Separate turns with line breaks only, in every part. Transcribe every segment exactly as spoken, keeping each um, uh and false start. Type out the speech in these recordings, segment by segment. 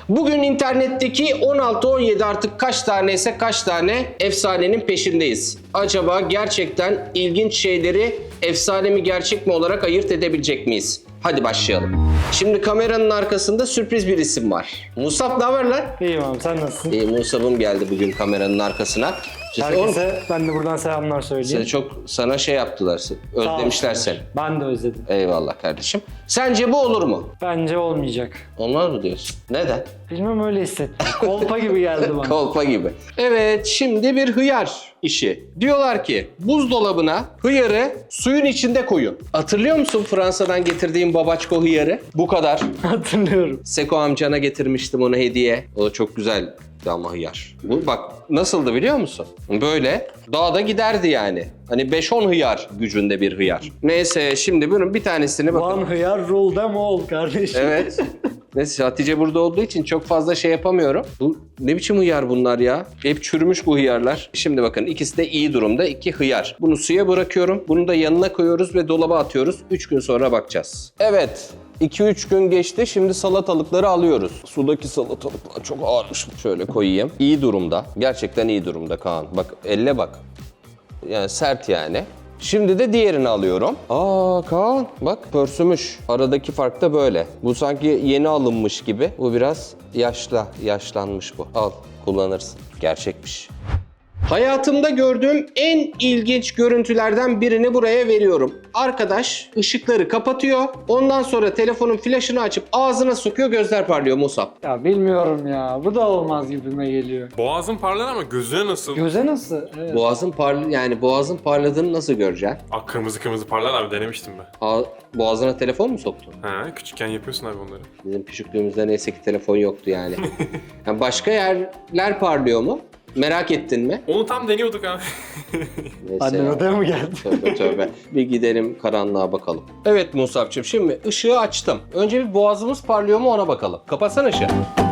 Bugün internetteki on altı on yedi artık kaç taneyse kaç tane efsanenin peşindeyiz. Acaba gerçekten ilginç şeyleri efsane mi gerçek mi olarak ayırt edebilecek miyiz? Hadi başlayalım. Şimdi kameranın arkasında sürpriz bir isim var. Musab, ne haber lan?
İyiyim abi, sen nasılsın?
İyi, Musab'ım geldi bugün kameranın arkasına.
Herkese ben de buradan selamlar
Seni
söyleyeyim.
çok sana şey yaptılar, özlemişler seni.
Ben de özledim.
Eyvallah kardeşim. Sence bu olur mu?
Bence olmayacak.
Olmaz mı diyorsun? Neden?
Bilmem, öyle hissettim. Kolpa gibi geldi bana.
Kolpa gibi. Evet, şimdi bir hıyar işi. Diyorlar ki buzdolabına hıyarı suyun içinde koyun. Hatırlıyor musun Fransa'dan getirdiğim babaçko hıyarı? Bu kadar.
Hatırlıyorum.
Seko amcana getirmiştim onu hediye. O da çok güzel ama hıyar. Bu bak nasıldı biliyor musun? Böyle dağda giderdi yani. Hani beş on hıyar gücünde bir hıyar. Neyse şimdi bunun bir tanesini bakalım.
One hıyar rule them all kardeşim.
Evet. Neyse Hatice burada olduğu için çok fazla şey yapamıyorum. Bu ne biçim hıyar bunlar ya? Hep çürümüş bu hıyarlar. Şimdi bakın ikisi de iyi durumda. İki hıyar. Bunu suya bırakıyorum. Bunu da yanına koyuyoruz ve dolaba atıyoruz. üç gün sonra bakacağız. Evet. iki üç gün geçti. Şimdi salatalıkları alıyoruz. Sudaki salatalıklar çok ağırmış. Şöyle koyayım. İyi durumda. Gerçekten iyi durumda Kaan. Bak elle bak. Yani sert yani. Şimdi de diğerini alıyorum. Aa Kaan bak pörsümüş. Aradaki fark da böyle. Bu sanki yeni alınmış gibi. Bu biraz yaşla, yaşlanmış bu. Al kullanırsın. Gerçekmiş. Hayatımda gördüğüm en ilginç görüntülerden birini buraya veriyorum. Arkadaş ışıkları kapatıyor. Ondan sonra telefonun flaşını açıp ağzına sokuyor, gözler parlıyor Musab.
Ya bilmiyorum ya. Bu da olmaz gibime geliyor.
Boğazın parlar ama gözüne nasıl?
Göze nasıl? Evet.
Boğazın parlı yani boğazın parladığını nasıl göreceksin?
Aa, kırmızı kırmızı parlar abi, denemiştim ben.
Aa, boğazına telefon mu soktun?
Ha, küçükken yapıyorsun abi onları.
Bizim küçüklüğümüzde neyse ki telefon yoktu yani. Yani başka yerler parlıyor mu? Merak ettin mi?
Onu tam deniyorduk abi.
Neyse
Annen
ya.
odaya mı geldi?
Tövbe tövbe. Bir gidelim karanlığa bakalım. Evet Musab'cığım, şimdi ışığı açtım. Önce bir boğazımız parlıyor mu ona bakalım. Kapatsana ışığı.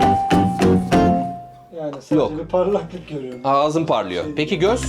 Yani sadece
Yok.
bir parlaklık görüyorum.
Ağzım parlıyor. Peki göz?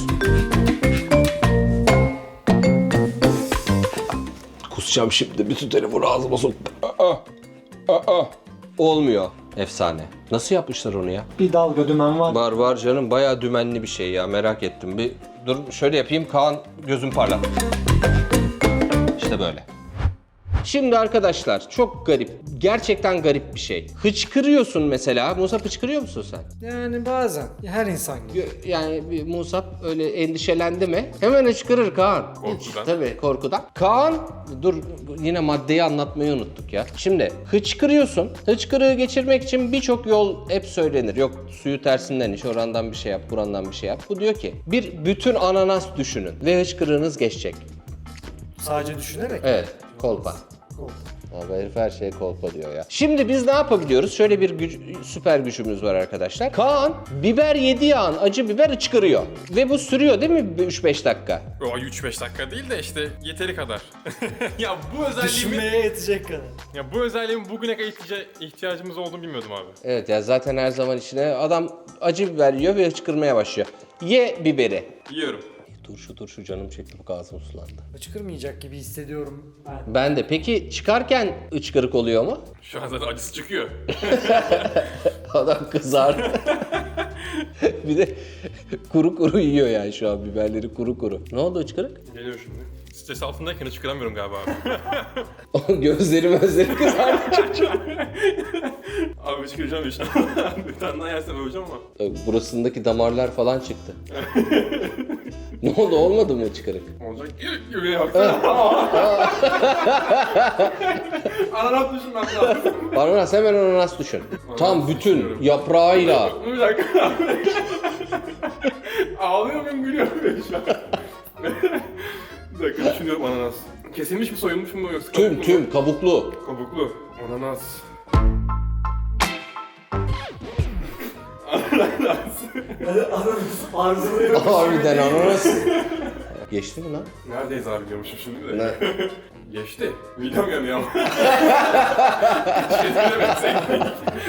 Kusacağım şimdi. Bütün telefonu ağzıma soktum. Aa, aa. Olmuyor. Efsane. Nasıl yapmışlar onu ya?
Bir dalga dümen var.
Var var canım. Bayağı dümenli bir şey ya. Merak ettim. Bir dur şöyle yapayım. Kaan gözüm parlat. İşte böyle. Şimdi arkadaşlar çok garip. Gerçekten garip bir şey. Hıçkırıyorsun mesela. Musab, hıçkırıyor musun sen?
Yani bazen. Her insan gibi.
Yani bir Musab öyle endişelendi mi? Hemen hıçkırır Kaan.
Korkudan.
Tabii korkudan. Kaan, dur yine maddeyi anlatmayı unuttuk ya. Şimdi hıçkırıyorsun. Hıçkırığı geçirmek için birçok yol hep söylenir. Yok suyu tersinden iç, orandan bir şey yap, burandan bir şey yap. Bu diyor ki bir bütün ananas düşünün ve hıçkırığınız geçecek.
Sadece düşünerek.
Evet, kolpa. Abi herif her şeye kolpa diyor ya. Şimdi biz ne yapabiliyoruz? Şöyle bir güç, süper gücümüz var arkadaşlar. Kaan biber yediği an acı biber hıçkırıyor. Ve bu sürüyor değil mi üç beş dakika?
O üç beş dakika değil de işte yeteri kadar. ya bu özelliğimi,
Düşünmeye yetecek kadar.
ya bu özelliğimi bugüne kadar ihtiyaca- ihtiyacımız olduğunu bilmiyordum abi.
Evet ya, zaten her zaman içine adam acı biber yiyor ve hıçkırmaya başlıyor. Ye biberi.
Yiyorum.
Turşu turşu canım çekti, bu ağzım sulandı.
Çıkırmayacak gibi hissediyorum ben.
Ben de. Peki çıkarken hıçkırık oluyor mu?
Şu an zaten acısı çıkıyor.
Adam kızardı. Bir de kuru kuru yiyor yani şu an biberleri kuru kuru. Ne oldu hıçkırık?
Geliyor şimdi. Stres altındayken çıkaramıyorum galiba abi.
O gözleri gözleri kızardı.
abi çıkaracağım işte. Bir tane daha yersem öleceğim ama.
Burasındaki damarlar falan çıktı. Ne oldu, olmadı mı hıçkırık?
Olacak. Yürüye baksana. Ananas düşünmem lazım.
Ananas, hemen ananas düşün. Tam bütün
düşünüyorum.
yaprağıyla.
Bir dakika. Ağlıyor muyum, gülüyor muyum şu an? Bir dakika düşünüyorum, ananas. Kesilmiş mi, soyulmuş mu yoksa
Tüm
kabuklu mu?
tüm kabuklu.
Kabuklu. Ananas. Ananas.
Arzuluyorum.
Harbiden ananas. Geçti mi lan?
Neredeyiz abi diyormuşum şimdi de.
Ne?
Geçti. Midem yanıyor ama. Hiç ezberemezsek.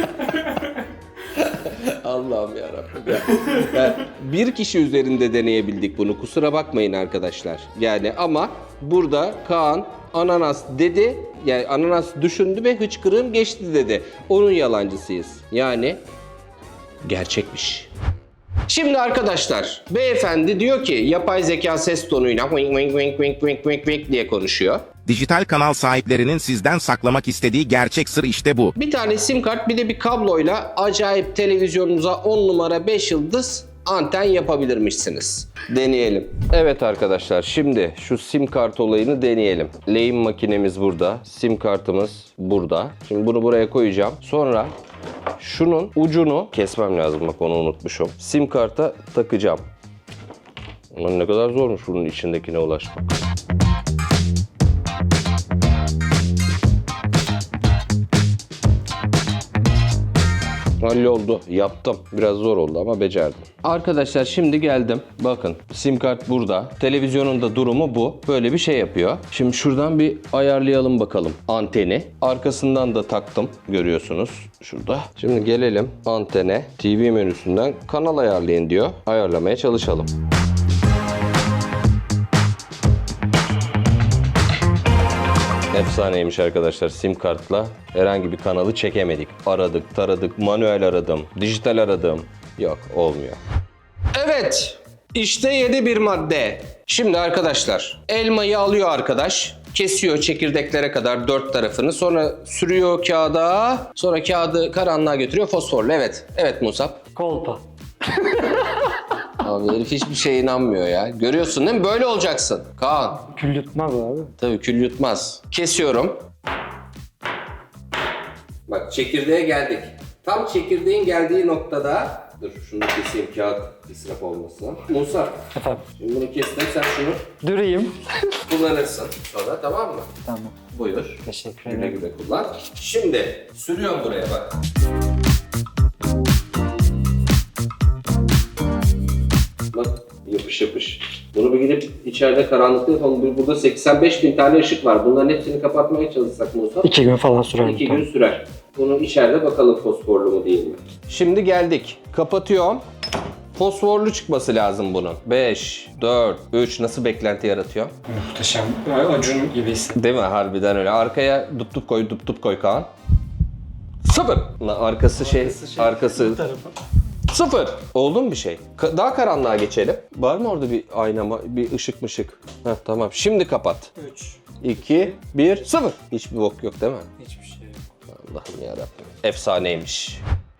Allah'ım yarabbim ya. Yani bir kişi üzerinde deneyebildik bunu. Kusura bakmayın arkadaşlar. Yani ama burada Kaan ananas dedi. Yani ananas düşündü ve hıçkırığım geçti dedi. Onun yalancısıyız. Yani gerçekmiş. Şimdi arkadaşlar, beyefendi diyor ki yapay zeka ses tonuyla wink wink wink wink wink wink wink diye konuşuyor.
Dijital kanal sahiplerinin sizden saklamak istediği gerçek sır işte bu.
Bir tane sim kart bir de bir kabloyla acayip televizyonunuza on numara beş yıldız anten yapabilirmişsiniz. Deneyelim. Evet arkadaşlar, şimdi şu sim kart olayını deneyelim. Lehim makinemiz burada. Sim kartımız burada. Şimdi bunu buraya koyacağım. Sonra şunun ucunu kesmem lazım. Bak onu unutmuşum. Sim karta takacağım. Ulan ne kadar zormuş bunun içindekine ulaşmak. Halloldu. Yaptım. Biraz zor oldu ama becerdim. Arkadaşlar şimdi geldim. Bakın sim kart burada. Televizyonun da durumu bu. Böyle bir şey yapıyor. Şimdi şuradan bir ayarlayalım bakalım anteni. Arkasından da taktım. Görüyorsunuz şurada. Şimdi gelelim antene. T V menüsünden kanal ayarlayın diyor. Ayarlamaya çalışalım. Efsaneymiş arkadaşlar, sim kartla herhangi bir kanalı çekemedik. Aradık, taradık, manuel aradım, dijital aradım. Yok, olmuyor. Evet, işte yedi bir madde. Şimdi arkadaşlar, elmayı alıyor arkadaş. Kesiyor çekirdeklere kadar dört tarafını. Sonra sürüyor kağıda. Sonra kağıdı karanlığa götürüyor fosforlu. Evet, evet Musab.
Kolpa.
Abi herif hiçbir şeye inanmıyor ya. Görüyorsun değil mi? Böyle olacaksın. Kaan.
Kül yutmaz abi.
Tabii kül yutmaz. Kesiyorum. Bak çekirdeğe geldik. Tam çekirdeğin geldiği noktada... Dur şunu da keseyim, kağıt israf olmasın. Musa,
Efendim.
şimdi bunu kestim, sen şunu
Durayım.
kullanırsın sonra, tamam mı?
Tamam.
Buyur.
Teşekkür
Güle
ederim.
güle kullan. Şimdi sürüyorum buraya bak. Bak yapış yapış. Bunu bir gidip içeride karanlıkta yapalım. Burada seksen beş bin tane ışık var. Bunların hepsini kapatmaya çalışsak Musa.
İki gün falan sürer.
İki gün sürer. Bunu içeride bakalım fosforlu mu değil mi? Şimdi geldik. Kapatıyorum. Fosforlu çıkması lazım bunun. beş, dört, üç nasıl beklenti yaratıyor?
Muhteşem. Acun gibi hissettim.
Değil mi? Harbiden öyle. Arkaya dup dup koy, dup dup koy Kaan. Sıfır. Lan arkası şey, arkası sıfır. Oldu mu bir şey? Ka- daha karanlığa geçelim. Var mı orada bir ayna, bir ışık mışık? Heh, tamam. Şimdi kapat.
üç.
iki, bir, sıfır. Hiçbir bok yok değil mi?
Hiçbir şey yok.
Allah'ım yarabbim. Efsaneymiş.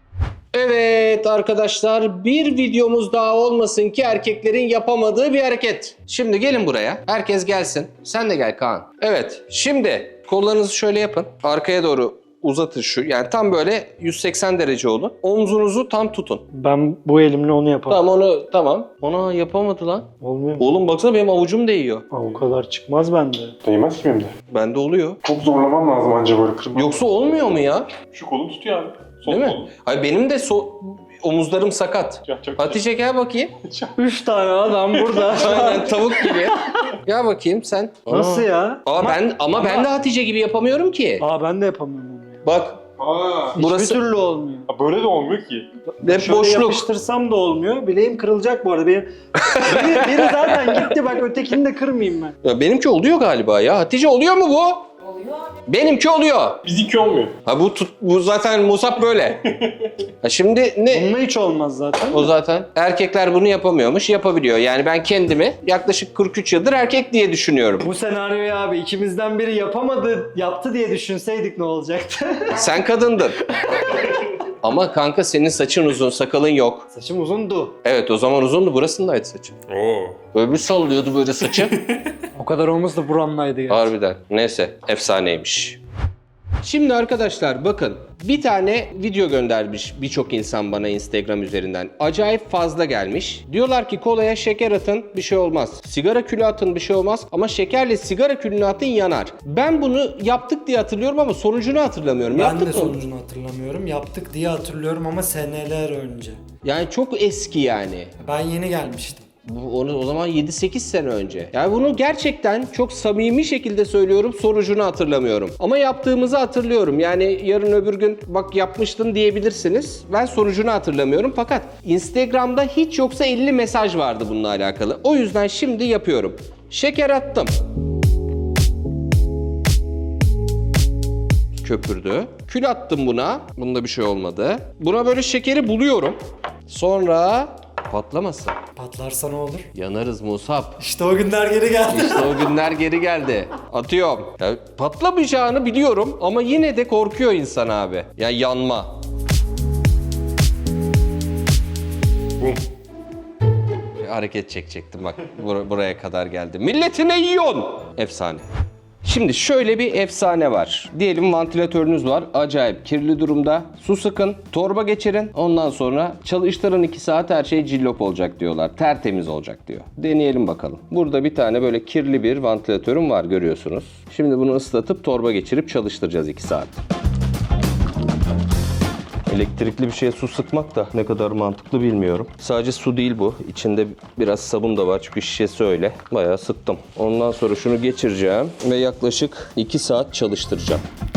Evet arkadaşlar, bir videomuz daha olmasın ki erkeklerin yapamadığı bir hareket. Şimdi gelin buraya. Herkes gelsin. Sen de gel Kaan. Evet. Şimdi kollarınızı şöyle yapın. Arkaya doğru uzatın şu. Yani tam böyle yüz seksen derece olun. Omzunuzu tam tutun.
Ben bu elimle onu yaparım.
Tamam onu tamam. Ona yapamadı lan.
Olmuyor mu?
Oğlum baksana benim avucum değiyor.
Aa, o kadar çıkmaz bende.
Değmez ki benim de.
Bende oluyor.
Çok zorlamam lazım anca böyle kırmam.
Yoksa olmuyor mu ya?
Şu kolu tutuyor abi. Sol
Değil mi?
kolu.
Hayır benim de so omuzlarım sakat.
Ya, çok
Hatice gel bakayım.
Üç tane adam burada.
Aynen tavuk gibi. Gel bakayım sen.
Nasıl
Aa.
ya?
Aa, ben ama, ben de Hatice gibi yapamıyorum ki.
Aa ben de yapamıyorum onu ya.
Bak
Aa,
burası
Hiçbir türlü olmuyor.
böyle de olmuyor ki.
hep
Şöyle
boşluk.
yapıştırsam da olmuyor. Bileğim kırılacak bu arada. Benim, biri, biri zaten gitti bak, ötekini de kırmayayım ben.
Ya benimki oluyor galiba ya. Hatice oluyor mu bu?
Oluyor.
Benimki oluyor.
Bizimki olmuyor.
Ha bu tut, bu zaten Musab böyle. Ha şimdi ne?
Onunla hiç olmaz zaten.
O zaten erkekler bunu yapamıyormuş, yapabiliyor. Yani ben kendimi yaklaşık kırk üç yıldır erkek diye düşünüyorum.
Bu senaryoyu abi ikimizden biri yapamadı, yaptı diye düşünseydik ne olacaktı?
Sen kadındın. Ama kanka senin saçın uzun, sakalın yok.
Saçım uzundu.
Evet o zaman uzundu, burasındaydı saçın.
Oo.
Böyle bir sallıyordu böyle saçı.
O kadar olmaz da buramdaydı ya.
Harbiden. Neyse, efsaneymiş. Şimdi arkadaşlar bakın, bir tane video göndermiş birçok insan bana Instagram üzerinden. Acayip fazla gelmiş. Diyorlar ki kolaya şeker atın, bir şey olmaz. Sigara külü atın, bir şey olmaz. Ama şekerle sigara külünü atın, yanar. Ben bunu yaptık diye hatırlıyorum ama sonucunu hatırlamıyorum.
Ben
Yaptık
de
mı?
sonucunu hatırlamıyorum. Yaptık diye hatırlıyorum ama seneler önce.
Yani çok eski yani.
Ben yeni gelmiştim.
Bu onu o zaman yedi sekiz sene önce. Yani bunu gerçekten çok samimi şekilde söylüyorum, sonucunu hatırlamıyorum. Ama yaptığımızı hatırlıyorum. Yani yarın öbür gün bak yapmıştın diyebilirsiniz. Ben sonucunu hatırlamıyorum fakat Instagram'da hiç yoksa elli mesaj vardı bununla alakalı. O yüzden şimdi yapıyorum. Şeker attım. köpürdü. Kül attım buna. Bunda bir şey olmadı. Buna böyle şekeri buluyorum. Sonra patlamasın.
Patlarsa ne olur?
Yanarız Musab.
İşte o günler geri geldi.
İşte o günler geri geldi. Atıyorum. Ya, patlamayacağını biliyorum ama yine de korkuyor insan abi. Ya yanma.
Bum.
Bir hareket çekecektim bak bur- buraya kadar geldi. Milletine yiyorsun. Efsane. Şimdi şöyle bir efsane var. Diyelim vantilatörünüz var. Acayip kirli durumda. Su sıkın, torba geçirin. Ondan sonra çalıştırın iki saat her şey cillop olacak diyorlar. Tertemiz olacak diyor. Deneyelim bakalım. Burada bir tane böyle kirli bir vantilatörüm var görüyorsunuz. Şimdi bunu ıslatıp torba geçirip çalıştıracağız iki saat. Elektrikli bir şeye su sıkmak da ne kadar mantıklı bilmiyorum. Sadece su değil bu. İçinde biraz sabun da var çünkü şişesi öyle. Bayağı sıktım. Ondan sonra şunu geçireceğim ve yaklaşık iki saat çalıştıracağım.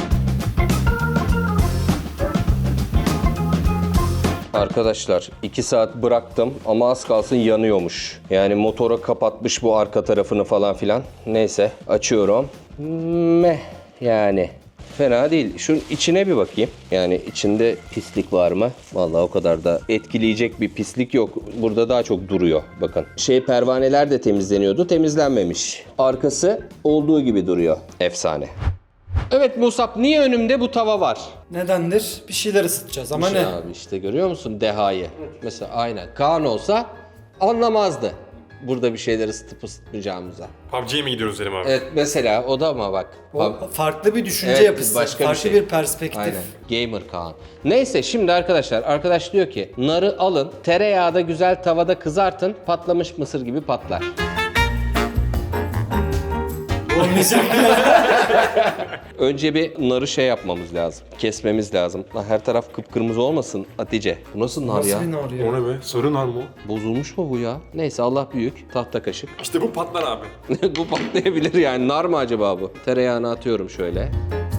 Arkadaşlar iki saat bıraktım ama az kalsın yanıyormuş. Yani motora kapatmış bu arka tarafını falan filan. Neyse açıyorum. Meh yani. Fena değil. Şunun içine bir bakayım. Yani içinde pislik var mı? Vallahi o kadar da etkileyecek bir pislik yok. Burada daha çok duruyor. Bakın. Şey pervaneler de temizleniyordu. Temizlenmemiş. Arkası olduğu gibi duruyor. Efsane. Evet Musab, niye önümde bu tava var?
Nedendir? Bir şeyler ısıtacağız ama
İşte
ne?
abi işte görüyor musun dehayı? Mesela aynen. Kaan olsa anlamazdı. Burada bir şeyler ısıtıp ısıtmayacağımıza.
P U B G'ye mi gidiyoruz dedim abi?
Evet mesela o da ama bak.
O farklı bir düşünce
Evet,
yapısı,
başka bir
farklı
şey.
bir perspektif.
Aynen. Gamer Kaan. Neyse şimdi arkadaşlar, arkadaş diyor ki narı alın, tereyağda güzel tavada kızartın, patlamış mısır gibi patlar.
Olmayacak.
Önce bir narı şey yapmamız lazım, kesmemiz lazım. Lan her taraf kıpkırmızı olmasın Hatice. Bu nasıl nar ya?
Nasıl bir nar ya?
O ne be? Sarı nar mı o?
Bozulmuş mu bu ya? Neyse Allah büyük, tahta kaşık.
İşte bu patlar abi.
Bu patlayabilir yani. Nar mı acaba bu? Tereyağını atıyorum şöyle.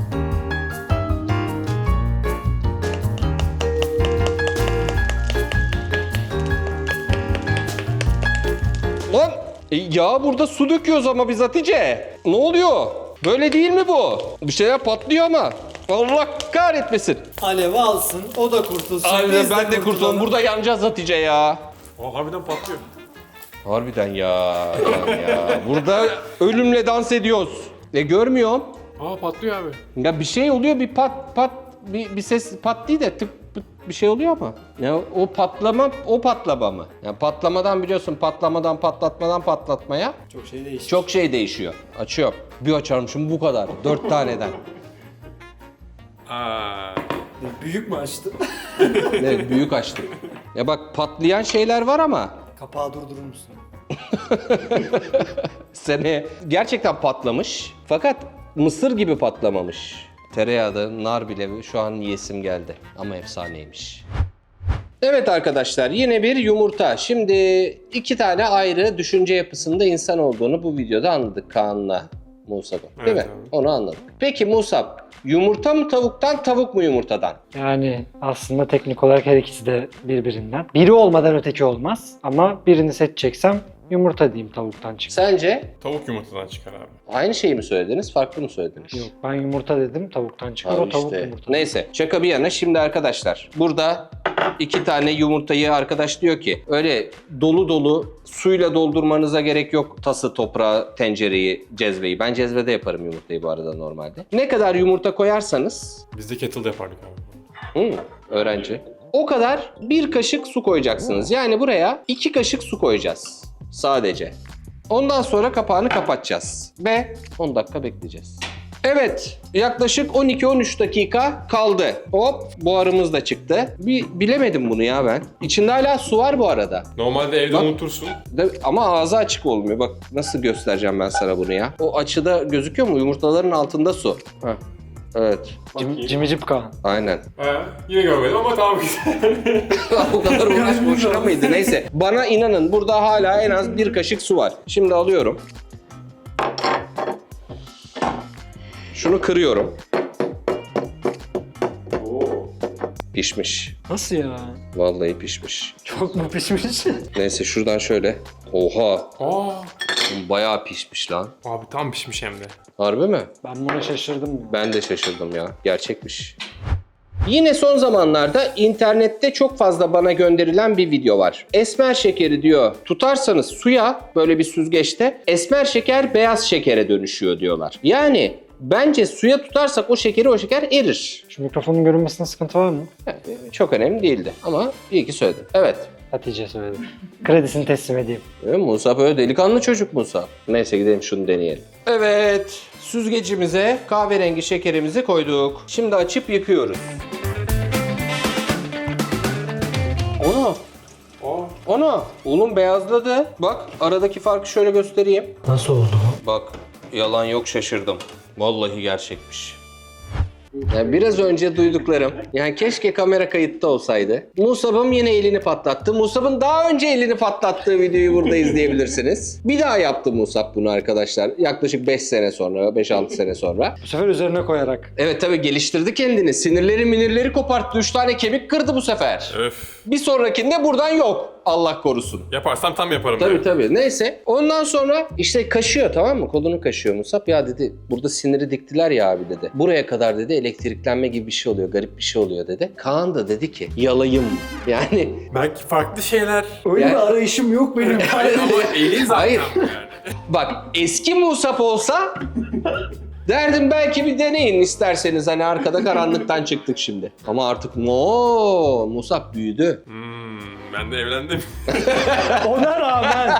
Lan e, ya burada su döküyoruz ama biz Hatice. Ne oluyor? Böyle değil mi bu? Bir şeyler patlıyor ama. Allah kahretmesin.
Alev alsın, o da kurtulsun.
Aynen
biz
ben de kurtulalım. Burada yanacağız Hatice ya.
Aa, harbiden patlıyor.
Harbiden ya. Lan ya. Burada ölümle dans ediyoruz. E görmüyorum.
Aa patlıyor abi.
Ya bir şey oluyor, bir pat pat bir, bir ses pat değil de tık pıt bir şey oluyor ama. Ya o patlama o patlama mı? Yani patlamadan biliyorsun patlamadan patlatmadan patlatmaya
Çok şey değişti.
çok şey değişiyor. Açıyorum. Bir açarmışım bu kadar. Dört taneden.
Aa.
Büyük mü açtı?
Evet büyük açtım. Ya bak patlayan şeyler var ama
Kapağı durdurur musun?
sene gerçekten patlamış. Fakat mısır gibi patlamamış. Tereyağda nar bile şu an yiyesim geldi. Ama efsaneymiş. Evet arkadaşlar yine bir yumurta. Şimdi iki tane ayrı düşünce yapısında insan olduğunu bu videoda anladık Kaan'la Musab'ın. Değil
Evet
mi?
abi.
Onu anladık. Peki Musab, yumurta mı tavuktan, tavuk mu yumurtadan?
Yani aslında teknik olarak her ikisi de birbirinden. Biri olmadan öteki olmaz. Ama birini seçeceksem yumurta diyeyim tavuktan çık.
Sence
Tavuk yumurtadan çıkar abi.
aynı şeyi mi söylediniz, farklı mı söylediniz?
Yok ben yumurta dedim tavuktan çıkar
Abi
o tavuk
işte.
yumurta.
Neyse şaka bir yana şimdi arkadaşlar burada iki tane yumurtayı arkadaş diyor ki öyle dolu dolu suyla doldurmanıza gerek yok tası, toprağı, tencereyi, cezveyi. Ben cezvede yaparım yumurtayı bu arada normalde. Ne kadar yumurta koyarsanız
Biz de kettle'da yapardık abi.
hı, öğrenci o kadar bir kaşık su koyacaksınız. Yani buraya iki kaşık su koyacağız sadece. Ondan sonra kapağını kapatacağız ve on dakika bekleyeceğiz. Evet, yaklaşık on iki on üç dakika kaldı. Hop, buharımız da çıktı. Bir bilemedim bunu ya ben. İçinde hala su var bu arada.
Normalde evde
Bak.
unutursun.
De- ama ağzı açık olmuyor. Bak nasıl göstereceğim ben sana bunu ya. O açıda gözüküyor mu? Yumurtaların altında su. Heh. Evet,
Cim, cimicip Kaan.
aynen.
Ha, yine görmedim ama tamam güzel.
O kadar uğraş boşuna mıydı? Neyse. Bana inanın burada hala en az bir kaşık su var. Şimdi alıyorum. Şunu kırıyorum.
Oo.
Pişmiş.
Nasıl ya?
Vallahi pişmiş.
Çok mu pişmiş?
Neyse şuradan şöyle. Oha.
Aa.
Bayağı pişmiş lan.
Abi tam pişmiş hem de.
Harbi mi?
Ben buna şaşırdım ya.
Ben de şaşırdım ya. Gerçekmiş. Yine son zamanlarda internette çok fazla bana gönderilen bir video var. Esmer şekeri diyor tutarsanız suya böyle bir süzgeçte esmer şeker beyaz şekere dönüşüyor diyorlar. Yani bence suya tutarsak o şekeri o şeker erir.
Şu mikrofonun görünmesine sıkıntı var mı?
Yani çok önemli değildi ama iyi ki söyledin. Evet.
Hatice söyledi. Kredisini teslim edeyim.
Evet, Musa böyle delikanlı çocuk Musa. Neyse gidelim şunu deneyelim. Evet. Süzgecimize kahverengi şekerimizi koyduk. Şimdi açıp yıkıyoruz. Onu. Onu. Unun beyazladı. Bak aradaki farkı şöyle göstereyim.
Nasıl oldu?
Bak yalan yok şaşırdım. Vallahi gerçekmiş. Yani biraz önce duyduklarım, yani keşke kamera kayıtta olsaydı. Musab'ım yine elini patlattı. Musab'ın daha önce elini patlattığı videoyu burada izleyebilirsiniz. Bir daha yaptı Musab bunu arkadaşlar. Yaklaşık beş sene sonra, beş altı sene sonra.
Bu sefer üzerine koyarak.
Evet tabii geliştirdi kendini. Sinirleri minirleri koparttı. Üç tane kemik kırdı bu sefer.
Öf.
Bir sonrakinde buradan yok. Allah korusun.
Yaparsam tam yaparım.
Tabii
ben.
tabii. Neyse. Ondan sonra işte kaşıyor tamam mı? Kolunu kaşıyor Musab. Ya dedi burada siniri diktiler ya abi dedi. Buraya kadar dedi elektriklenme gibi bir şey oluyor. Garip bir şey oluyor dedi. Kaan da dedi ki yalayım. Yani
Belki farklı şeyler.
Öyle
Yani-
bir arayışım yok benim.
Ama elin zaten.
Hayır.
Yani.
bak eski Musab olsa derdim belki bir deneyin isterseniz. Hani arkada karanlıktan çıktık şimdi. Ama artık mo Musab büyüdü.
Hmm, ben de evlendim.
Ona rağmen.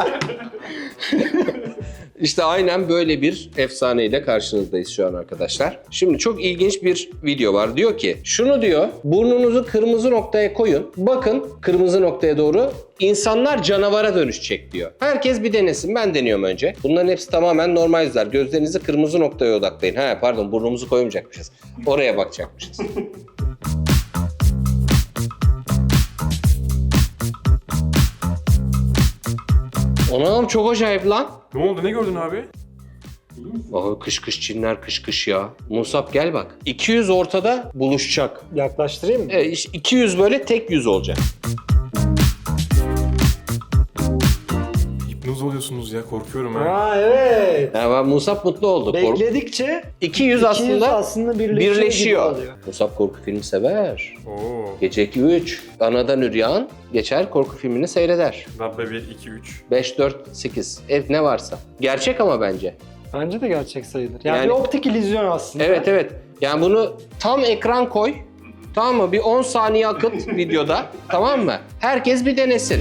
İşte aynen böyle bir efsaneyle karşınızdayız şu an arkadaşlar. Şimdi çok ilginç bir video var. Diyor ki şunu diyor burnunuzu kırmızı noktaya koyun. Bakın kırmızı noktaya doğru insanlar canavara dönüşecek diyor. Herkes bir denesin. Ben deniyorum önce. Bunların hepsi tamamen normal yüzler. Gözlerinizi kırmızı noktaya odaklayın. He pardon burnumuzu koymayacakmışız. Oraya bakacakmışız. Anam çok acayip lan.
Ne oldu? Ne gördün abi?
Aha kış kış Çinler kış kış ya. Musab gel bak. iki yüz ortada buluşacak.
Yaklaştırayım mı?
E, işte iki yüz böyle tek yüz olacak.
Hipnoz oluyorsunuz ya. Korkuyorum ha.
Ha evet.
Yani ben Musab mutlu oldu. Kork-
Bekledikçe
iki yüz
iki yüz
aslında,
aslında birleşiyor.
birleşiyor.
gibi oluyor.
Musab korku filmi sever.
Oo.
Gece iki üç. Anadan Üryan geçer korku filmini seyreder.
Dabbe bir, iki, üç.
beş, dört, sekiz. Ev ne varsa. Gerçek ama bence.
Bence de gerçek sayılır. Yani,
Yani-
bir optik illüzyon aslında.
Evet evet. Yani bunu tam ekran koy. Tamam mı? Bir on saniye akıt videoda. Tamam mı? Herkes bir denesin.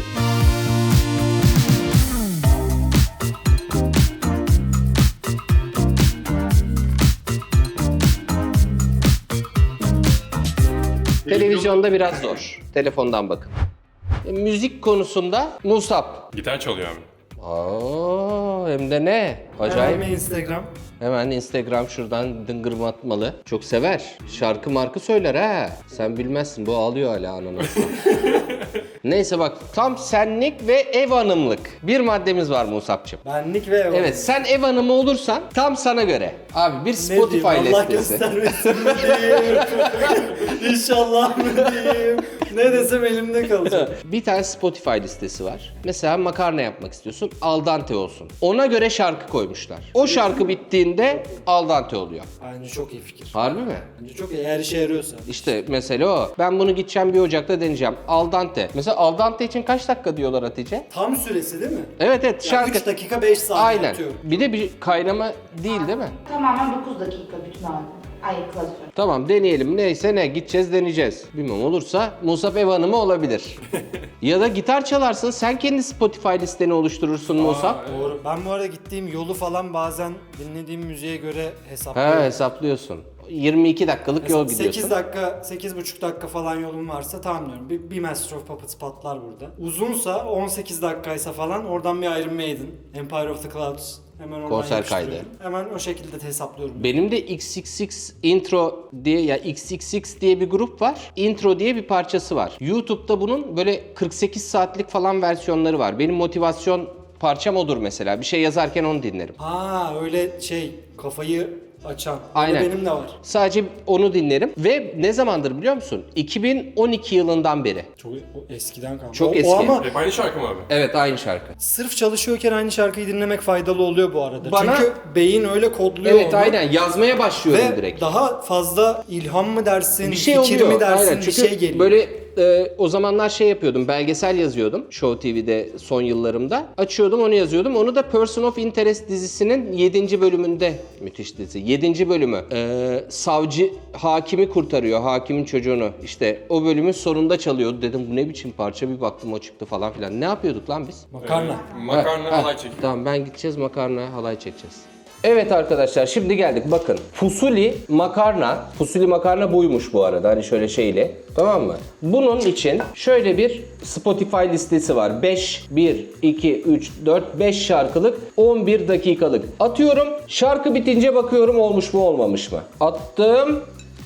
Televizyonda biraz zor. Telefondan bakın. E, müzik konusunda Musab.
Gitar çalıyor abi.
Aa, hem de ne? Acayip.
Hemen Instagram.
Hemen Instagram şuradan dıngırmatmalı. Çok sever. Şarkı markı söyler ha. Sen bilmezsin bu ağlıyor hala ananas. Neyse bak tam senlik ve ev hanımlık bir maddemiz var Musab'cığım.
Benlik ve ev.
Evet sen ev hanımı olursan tam sana göre. Abi bir
Ne
Spotify
diyeyim, Allah
listesi.
göstermesin mi diyeyim. İnşallah mı diyeyim. Ne desem elimde kalacak.
Bir tane Spotify listesi var. Mesela makarna yapmak istiyorsun. Al dente olsun. Ona göre şarkı koymuşlar. O şarkı bittiğinde al dente oluyor.
Bence çok iyi fikir.
Harbi mi?
Bence çok iyi. Eğer işe yarıyorsa.
İşte mesele o. Ben bunu gideceğim bir ocakta deneyeceğim. Al dente. Mesela al dente için kaç dakika diyorlar Hatice?
Tam süresi değil mi?
Evet evet
Yani
şarkı.
üç dakika beş saniye
Aynen.
atıyorum.
Bir de bir kaynama değil değil mi?
Tamamen dokuz dakika bütün halde. Ay klasör.
Tamam deneyelim. Neyse ne gideceğiz deneyeceğiz. Bilmem olursa Musab ev hanımı olabilir. Ya da gitar çalarsın. Sen kendi Spotify listeni oluşturursun Musab.
Doğru. Ben bu arada gittiğim yolu falan bazen dinlediğim müziğe göre hesaplıyorum.
He hesaplıyorsun. yirmi iki dakikalık yol
Mesela sekiz
gidiyorsun.
dakika, sekiz buçuk dakika falan yolum varsa tamam diyorum. Bir, bir Master of Puppets patlar burada. Uzunsa on sekiz dakikaysa falan oradan bir Iron Maiden, Empire of the Clouds. Hemen oradan
Konser
yapıştırıyorum.
kaydı.
Hemen o şekilde de hesaplıyorum.
Benim de X X X Intro diye ya X X X diye bir grup var. Intro diye bir parçası var. YouTube'da bunun böyle kırk sekiz saatlik falan versiyonları var. Benim motivasyon parçam odur mesela. Bir şey yazarken onu dinlerim.
Ha öyle şey kafayı açan.
Aynen.
Aynen. Benim de var.
Sadece onu dinlerim ve ne zamandır biliyor musun? iki bin on iki yılından beri.
Çok o eskiden kalmış.
Çok
o,
eski.
O ama
Hep aynı şarkı mı abi?
Evet, aynı şarkı.
sırf çalışıyorken aynı şarkıyı dinlemek faydalı oluyor bu arada.
Bana-
Çünkü beyin öyle kodluyor
Evet,
onu.
aynen yazmaya başlıyorum
Ve
direkt.
daha fazla ilham mı dersin,
Bir şey
fikir
oluyor.
mi dersin,
Aynen.
bir
Çünkü
şey geliyor.
böyle e, o zamanlar şey yapıyordum. Belgesel yazıyordum. Show T V'de son yıllarımda. Açıyordum, onu yazıyordum. Onu da Person of Interest dizisinin yedinci bölümünde, müthiş dizi. yedinci bölümü. E, savcı hakimi kurtarıyor. Hakimin çocuğunu. İşte o bölümün sonunda çalıyordu. Dedim bu ne biçim parça, bir baktım o çıktı falan filan. Ne yapıyorduk lan biz?
Makarna.
Makarna
Ha,
halay
ha,
çekiyor.
Tamam, ben gideceğiz makarna halay çekeceğiz. Evet arkadaşlar, şimdi geldik bakın. Fusuli makarna, fusuli makarna buymuş bu arada, hani şöyle şeyle, tamam mı? Bunun için şöyle bir Spotify listesi var. beş, bir, iki, üç, dört, beş şarkılık, on bir dakikalık. Atıyorum, şarkı bitince bakıyorum olmuş mu olmamış mı? Attım.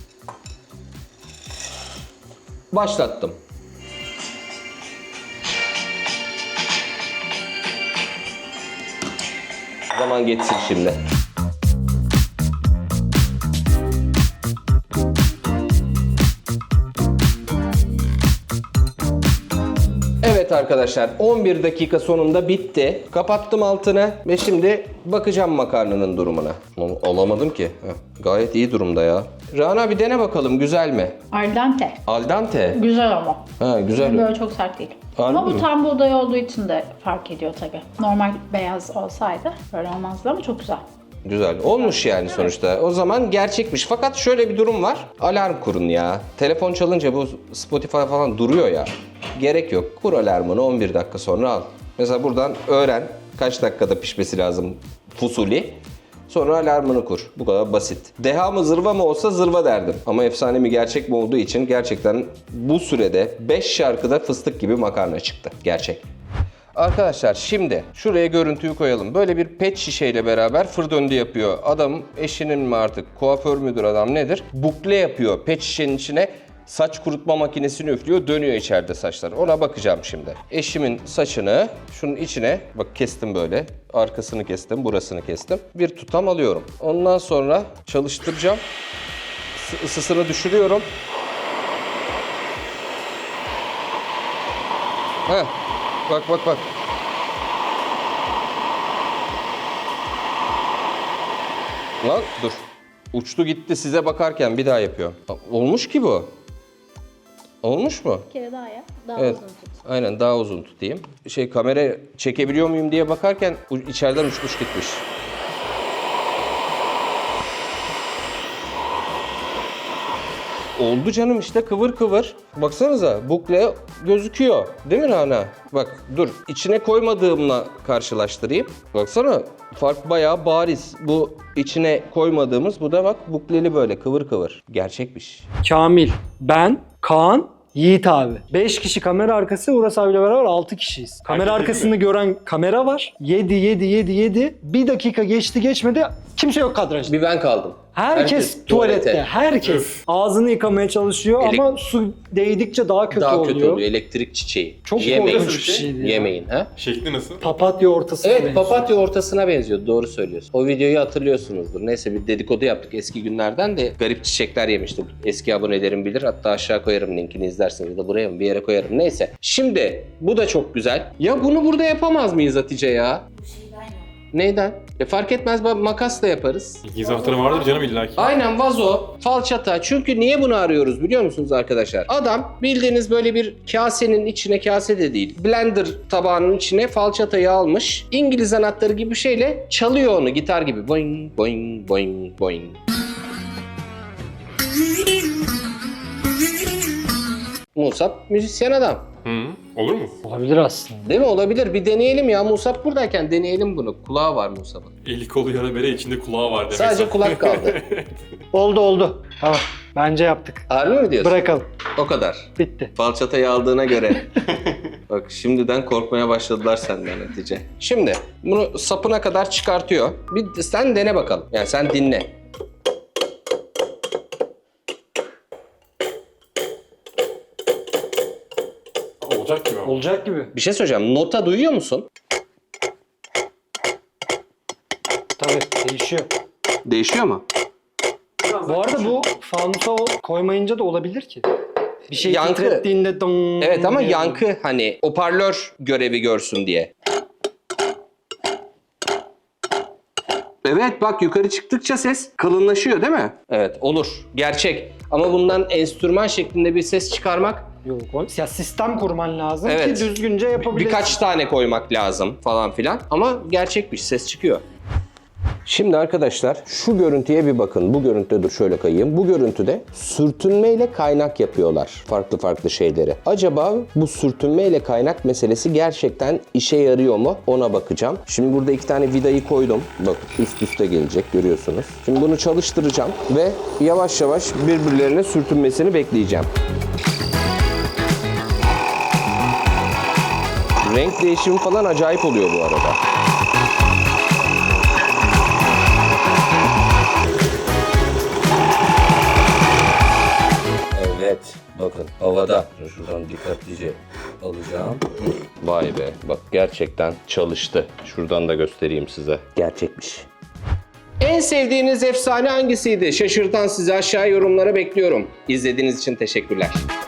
Başlattım. Zaman geçsin şimdi. Evet arkadaşlar, on bir dakika sonunda bitti. Kapattım altını ve şimdi bakacağım makarnanın durumuna. Alamadım ki. Heh, gayet iyi durumda ya. Rana bir dene bakalım, güzel mi?
Al dente.
Al dente.
Güzel ama.
Ha, güzel.
Böyle çok sert değil.
Harbi
ama bu
mi?
tam buğday olduğu için de fark ediyor tabii. Normal beyaz olsaydı böyle olmazdı ama çok güzel.
Güzel. Olmuş yani sonuçta. O zaman gerçekmiş. Fakat şöyle bir durum var. Alarm kurun ya. Telefon çalınca bu Spotify falan duruyor ya. Gerek yok. Kur alarmını, on bir dakika sonra al. Mesela buradan öğren kaç dakikada pişmesi lazım fusuli. Sonra alarmını kur. Bu kadar basit. Deha mı zırva mı olsa zırva derdim. Ama efsane mi gerçek mi olduğu için gerçekten bu sürede beş şarkıda fıstık gibi makarna çıktı. Gerçek. Arkadaşlar şimdi şuraya görüntüyü koyalım. Böyle bir pet şişeyle beraber fır döndü yapıyor. Adam eşinin mi artık, kuaför müdür adam nedir? Bukle yapıyor pet şişenin içine. Saç kurutma makinesini üflüyor, dönüyor içeride saçlar. Ona bakacağım şimdi. Eşimin saçını şunun içine, bak kestim böyle. Arkasını kestim, burasını kestim. Bir tutam alıyorum. Ondan sonra çalıştıracağım. Isı- Isısını düşürüyorum. Heh. Bak bak bak. Lan dur. Uçtu gitti size bakarken bir daha yapıyor. Olmuş ki bu. Olmuş mu?
Bir kere daha ya. Daha
Evet.
uzun tut.
Aynen, daha uzun tutayım. Şey, kamera çekebiliyor muyum diye bakarken u- içeriden uçmuş gitmiş. Oldu canım işte, kıvır kıvır. Baksanıza bukle gözüküyor. Değil mi Rana? Bak dur, içine koymadığımla karşılaştırayım. Baksana, fark bayağı bariz. Bu içine koymadığımız, bu da bak bukleli böyle kıvır kıvır. Gerçekmiş.
Kamil, ben, Kaan, Yiğit abi. beş kişi kamera arkası, Uras abiyle beraber altı kişiyiz. Kamera
Herkes
arkasını gören kamera var. yedi, yedi, yedi, yedi. Bir dakika geçti geçmedi. Kimse yok kadrajda.
Bir ben kaldım.
Herkes, tuvalette, herkes. Ağzını yıkamaya çalışıyor
Elek-
ama su değdikçe daha kötü
Daha
oluyor.
kötü oluyor, elektrik çiçeği.
Çok
Yemeyin.
korkunç bir şeydi ya.
Yemeyin ha.
Şekli nasıl?
Papatya ortası.
Evet,
benziyor.
papatya ortasına benziyor. Doğru söylüyorsun. O videoyu hatırlıyorsunuzdur. Neyse, bir dedikodu yaptık eski günlerden de garip çiçekler yemiştim. Eski abonelerim bilir. Hatta aşağı koyarım, linkini izlersiniz ya da buraya mı bir yere koyarım. Neyse. Şimdi bu da çok güzel. Ya bunu burada yapamaz mıyız Hatice ya? Neyden? E fark etmez, bak, makasla yaparız.
İngiliz anahtarı vardır canım illaki.
Aynen, vazo, falçata. Çünkü niye bunu arıyoruz biliyor musunuz arkadaşlar? Adam bildiğiniz böyle bir kasenin içine, kase de değil, blender tabağının içine falçatayı almış. İngiliz anahtarı gibi bir şeyle çalıyor onu, gitar gibi. Boing, boing, boing, boing. Musab müzisyen adam.
Hı, olur mu?
Olabilir aslında.
Değil mi? Olabilir. Bir deneyelim ya. Musab buradayken deneyelim bunu. Kulağı var Musab'ın.
Eli kolu yara bere, içinde kulağı var demek.
Sadece kulak kaldı.
Oldu oldu. Tamam. Bence yaptık.
Harbi mi diyorsun?
Bırakalım.
O kadar.
Bitti.
Falçatayı aldığına göre. Bak şimdiden korkmaya başladılar senden Hatice. Şimdi bunu sapına kadar çıkartıyor. Bir sen dene bakalım. Yani sen dinle.
Olacak gibi ama.
Olacak gibi.
Bir şey söyleyeceğim. Nota duyuyor musun?
Tabii değişiyor.
Değişiyor mu?
Bu arada bu fanusa o- koymayınca da olabilir ki. Bir şey
Yankı.
titrettiğinde dong
Evet ama
diye.
yankı hani hoparlör görevi görsün diye. Evet bak yukarı çıktıkça ses kalınlaşıyor değil mi? Evet olur. Gerçek. Ama bundan enstrüman şeklinde bir ses çıkarmak
Yok, o- ya sistem kurman lazım
Evet.
ki düzgünce yapabilirsin.
birkaç tane koymak lazım falan filan. Ama gerçekmiş ses çıkıyor. Şimdi arkadaşlar şu görüntüye bir bakın. Bu görüntüde dur şöyle kayayım. Bu görüntüde sürtünmeyle kaynak yapıyorlar. Farklı farklı şeyleri. Acaba bu sürtünmeyle kaynak meselesi gerçekten işe yarıyor mu? Ona bakacağım. Şimdi burada iki tane vidayı koydum. Bak üst üste gelecek görüyorsunuz. Şimdi bunu çalıştıracağım ve yavaş yavaş birbirlerine sürtünmesini bekleyeceğim. Renk değişimi falan acayip oluyor bu arada. Evet, bakın havada. Şuradan dikkatlice alacağım. Vay be, bak gerçekten çalıştı. Şuradan da göstereyim size. Gerçekmiş. En sevdiğiniz efsane hangisiydi? Şaşırtan sizi aşağı yorumlara bekliyorum. İzlediğiniz için teşekkürler.